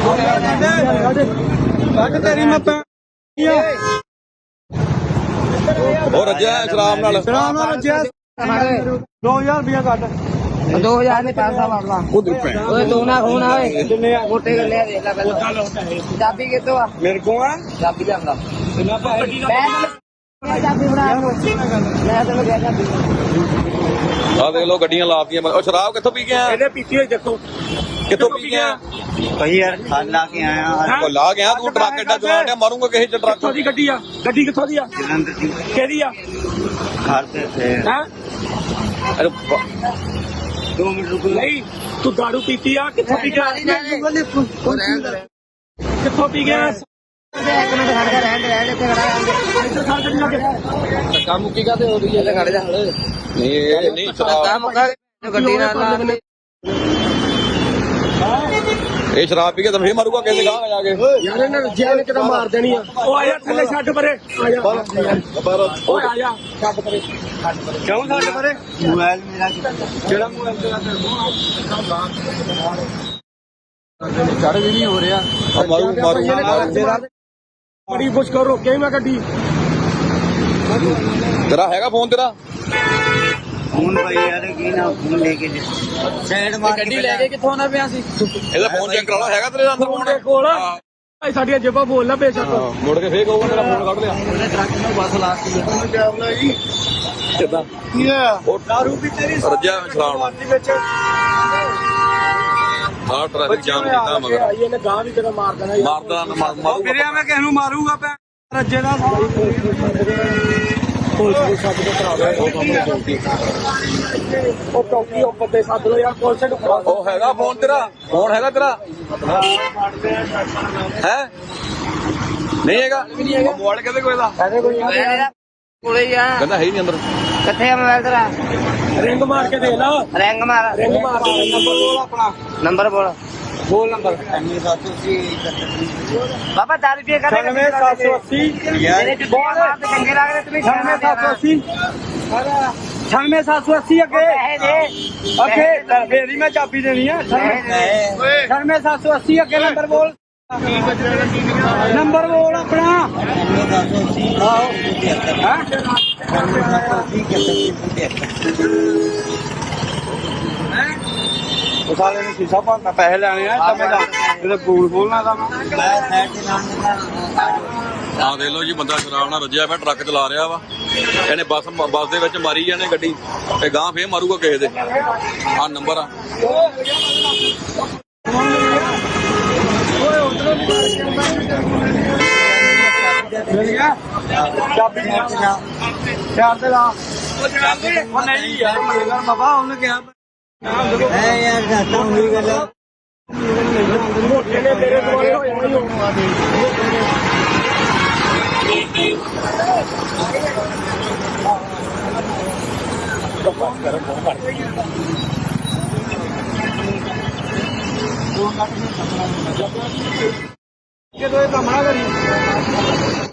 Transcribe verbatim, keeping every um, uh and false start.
तेरी मैं और रज्या शराब नाल शराब नाल रज्या दो हजार रुपया कट दो हजार ने पैसा मारला ओए तू ना खून आवे मोटे कर ले देख ला पहले चाबी कितो आ मेरे को आ चाबी लियांदा कितना पैसे चाबी बना ले तैਨੂੰ ਕਹਿ ਚਾਬੀ ਆ ਦੇਖ ਲੋ ਗੱਡੀਆਂ ਲਾਤੀਆਂ ਉਹ ਸ਼ਰਾਬ ਕਿੱਥੋਂ ਪੀ ਕੇ ਆਇਆ ਇਹਨੇ ਪੀਤੀ ਹੋਈ ਦੇਖੋ ਕਿੱਥੋਂ ਪੀ ਕੇ ਆਇਆ ਭਾਈ ਯਾਰ ਖਾਣ ਲਾ ਕੇ ਆਇਆ ਉਹ ਲਾ ਗਿਆ ਤੂੰ ਟਰੱਕ ਐਡਾ ਚਲਾਣ ਡਿਆ ਮਾਰੂੰਗਾ ਕਿਸੇ ਚ ਟਰੱਕ ਕਿੱਥੋਂ ਦੀ ਗੱਡੀ ਆ ਗੱਡੀ ਕਿੱਥੋਂ ਦੀ ਆ ਜਲੰਧਰ ਦੀ ਕਿਹਦੀ ਆ ਘਰ ਤੇ ਥੇ ਹੈ ਅਰੇ ਦੋ ਮਿੰਟ ਰੁਕੋ ਨਹੀਂ ਤੂੰ ਦਾਰੂ ਪੀਤੀ ਆ ਕਿੱਥੋਂ ਪੀ ਗਿਆ ਕਿੱਥੋਂ ਪੀ ਗਿਆ ਇੱਕ ਮਿੰਟ ਖੜ ਜਾ ਰਹਿਣ ਦੇ ਰਹਿਣ ਇੱਥੇ ਖੜਾ ਰਹਿਣ ਕੰਮ ਕੀ ਕਰਦੇ ਹੋ ਰਹੀ ਹੈ ਖੜ ਜਾ ਹਲੇ ਨਹੀਂ ਇਹ ਨਹੀਂ ਸ਼ਰਾਬ ਕੰਮ ਕਰ ਗੱਡੀ ਨਾਲ ਲਾ ਇਹ ਸ਼ਰਾਬ ਪੀ ਕੇ ਤਾਂ ਫੇਰ ਮਾਰੂਗਾ ਕਿਸੇ ਗਾਂ ਜਾ ਕੇ ਯਾਰ ਇਹਨਾਂ ਨੂੰ ਜੈਨ ਕਿਦਾਂ ਮਾਰ ਦੇਣੀ ਆ ਉਹ ਆਇਆ ਥੱਲੇ ਛੱਡ ਪਰੇ ਆ ਜਾ ਓਏ ਆ ਜਾ ਛੱਡ ਪਰੇ ਕਿਉਂ ਛੱਡ ਪਰੇ ਮੋਬਾਈਲ ਮੇਰਾ ਕਿਹੜਾ ਮੋਬਾਈਲ ਤੇਰਾ ਚੜ ਵੀ ਨਹੀਂ ਹੋ ਰਿਹਾ ਮਾਰੂ ਮਾਰੂ ਬੜੀ ਮੁਸ਼ਕਲ ਰੋਕਿਆ ਮੈਂ ਗੱਡੀ ਤੇਰਾ ਹੈਗਾ ਫੋਨ ਤੇਰਾ ਫੋਨ ਭਾਈ ਯਾਰ ਕੀ ਨਾ ਫੋਨ ਲੈ ਕੇ ਸਾਈਡ ਮਾਰ ਗੱਡੀ ਲੈ ਕੇ ਕਿੱਥੋਂ ਆਉਣਾ ਪਿਆ ਸੀ ਇਹਦਾ ਫੋਨ ਚੈੱਕ ਕਰਾ ਲਾ ਹੈਗਾ ਤੇਰੇ ਅੰਦਰ ਫੋਨ ਦੇ ਕੋਲ ਭਾਈ ਸਾਡੀਆਂ ਜੇਬਾਂ ਬੋਲ ਨਾ ਬੇਸ਼ੱਕ ਮੁੜ ਕੇ ਫੇਰ ਕਹੂਗਾ ਮੇਰਾ ਫੋਨ ਕੱਢ ਲਿਆ ਉਹਨੇ ਟਰੱਕ ਨੂੰ ਬੱਸ ਲਾਤੀ ਕਿੱਦਾਂ ਕੀ ਆ ਉਹ ਦਾਰੂ ਵੀ ਤੇਰੀ ਰੱਜਿਆ ਸ਼ਰਾਬ ਨਾਲ ਦੇ ਵਿੱਚ ਆਹ ਟ੍ਰੈਫਿਕ ਜਾਮ ਕੀਤਾ ਮਗਰ ਇਹਨੇ ਗਾਂ ਵੀ ਤੇਰਾ ਮਾਰ ਦੇਣਾ ਮਾਰਦਾ ਨਾ ਮਾਰ- ਮਾਰੂ ਵੀਰੇ ਮੈਂ ਕਿਸ ਨੂੰ ਮਾਰੂਗਾ ਪੈ ਰੱਜੇ ਦਾ ਪੁਲਿਸ ਨੂੰ ਸੱਦ ਕੇ ਕਰਾ ਦੇ ਉਹ ਚੌਕੀ ਉੱਪਰ ਤੇ ਸੱਦ ਲੋ ਯਾਰ ਪੁਲਿਸ ਨੂੰ ਕਰਾ ਉਹ ਹੈਗਾ ਫੋਨ ਤੇਰਾ ਫੋਨ ਹੈਗਾ ਤੇਰਾ ਹੈ ਨਹੀਂ ਹੈਗਾ ਮੋਬਾਈਲ ਕਿਹਦੇ ਕੋਲ ਇਹਦਾ ਕੋਲੇ ਹੀ ਆ ਕਹਿੰਦਾ ਹੈ ਹੀ ਨਹੀਂ ਅੰਦਰ ਕਿੱਥੇ ਆ ਮੋਬਾਈਲ ਤੇਰਾ ਰਿੰਗ ਮਾਰ ਕੇ ਦੇਖ ਲਾ ਰਿੰਗ ਮਾਰ ਰਿੰਗ ਮਾਰ ਨੰਬਰ ਬੋਲ ਆਪਣਾ ਨੰਬਰ ਬੋਲ ਬੋਲ ਨੰਬਰ ਬਾਬਾ ਦਾਰੂ ਪੀਏ ਕਰਦੇ ਛਿਆਨਵੇਂ ਸੱਤ ਸੌ ਅੱਸੀ ਮੇਰੇ ਚ ਬਹੁਤ ਮਾਰਦੇ ਚੰਗੇ ਲੱਗਦੇ ਤੁਸੀਂ ਛਿਆਨਵੇਂ ਸੱਤ ਸੌ ਅੱਸੀ ਛਿਆਨਵੇਂ ਸੱਤ ਸੌ ਅੱਸੀ ਅੱਗੇ ਪੈਸੇ ਦੇ ਅੱਗੇ ਫੇਰ ਹੀ ਮੈਂ ਚਾਬੀ ਦੇਣੀ ਆ ਛਿਆਨਵੇਂ ਸੱਤ ਸੌ ਅੱਸੀ ਅੱਗੇ ਨੰਬਰ ਬੋਲ ਨੰਬਰ ਬੋਲ ਆਪਣਾ ਉਹ ਸਾਲੇ ਨੂੰ ਸ਼ੀਸ਼ਾ ਭੰਨਾ ਪੈਸੇ ਲੈਣੇ ਆ ਤਾਂ ਮੈਂ ਇਹਦੇ ਬੂਲ ਖੋਲਣਾ ਤਾਂ ਮੈਂ ਆਹ ਦੇਖ ਲਓ ਜੀ ਬੰਦਾ ਸ਼ਰਾਬ ਨਾਲ ਰੱਜਿਆ ਪਿਆ ਟਰੱਕ ਚਲਾ ਰਿਹਾ ਵਾ ਇਹਨੇ ਬੱਸ ਬੱਸ ਦੇ ਵਿੱਚ ਮਾਰੀ ਜਾਣੇ ਗੱਡੀ ਤੇ ਗਾਂ ਫੇਰ ਮਾਰੂਗਾ ਕਿਸੇ ਦੇ ਆਹ ਨੰਬਰ ਆ ਚਾਬੀ ਚਾਰ ਦੇ ਲਾ ਉਹ ਨਹੀਂ ਯਾਰ ਮਰੇਗਾ ਬਾਬਾ ਉਹਨੇ ਕਿਹਾ ਐ ਯਾਰ ਘਾਟਾ ਹੋਈ ਗੱਲ ਮੋਟੇ ਨੇ ਤੇਰੇ ਦੁਆਲੇ ਹੋ ਜਾਣਾ ਜਦੋਂ ਇਹ ਕੰਮ ਨਾ ਕਰੀ